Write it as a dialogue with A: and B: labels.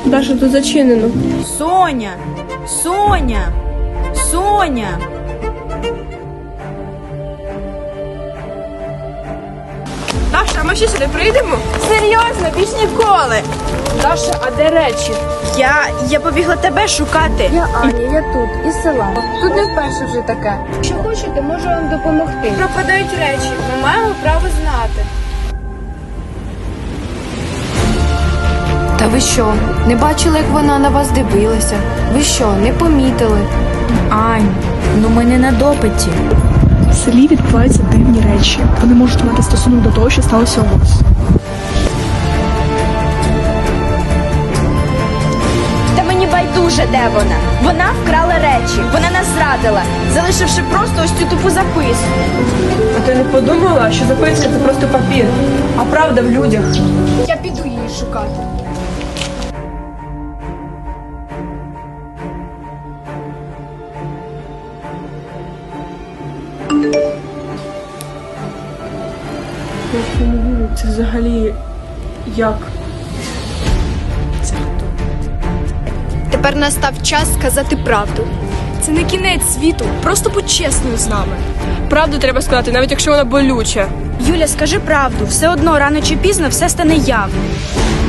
A: Даша, тут зачинено.
B: Соня! Соня! Соня!
A: Даша, а ми ще сюди прийдемо?
B: Серйозно, більш ніколи!
A: Даша, а де речі?
B: Я побігла тебе шукати.
C: Я Аня, я тут, із села. Тут не вперше вже таке. Якщо хочете, можу вам допомогти.
A: Пропадають речі. Ми маємо право знати.
C: Та ви що, не бачили, як вона на вас дивилася? Ви що, не помітили?
B: Ань, ну ми не на допиті.
D: В селі відбуваються дивні речі. Вони можуть мати стосунок до того, що сталося у вас.
B: Та мені байдуже, де вона. Вона вкрала речі, вона нас зрадила, залишивши просто ось цю тупу записку.
A: А ти не подумала, що записка це просто папір, а правда в людях?
C: Я піду її шукати.
A: Я не вірю, це взагалі як?
C: Тепер настав час сказати правду. Це не кінець світу, просто будь чесною з нами.
A: Правду треба сказати, навіть якщо вона болюча.
B: Юля, скажи правду, все одно рано чи пізно все стане явним.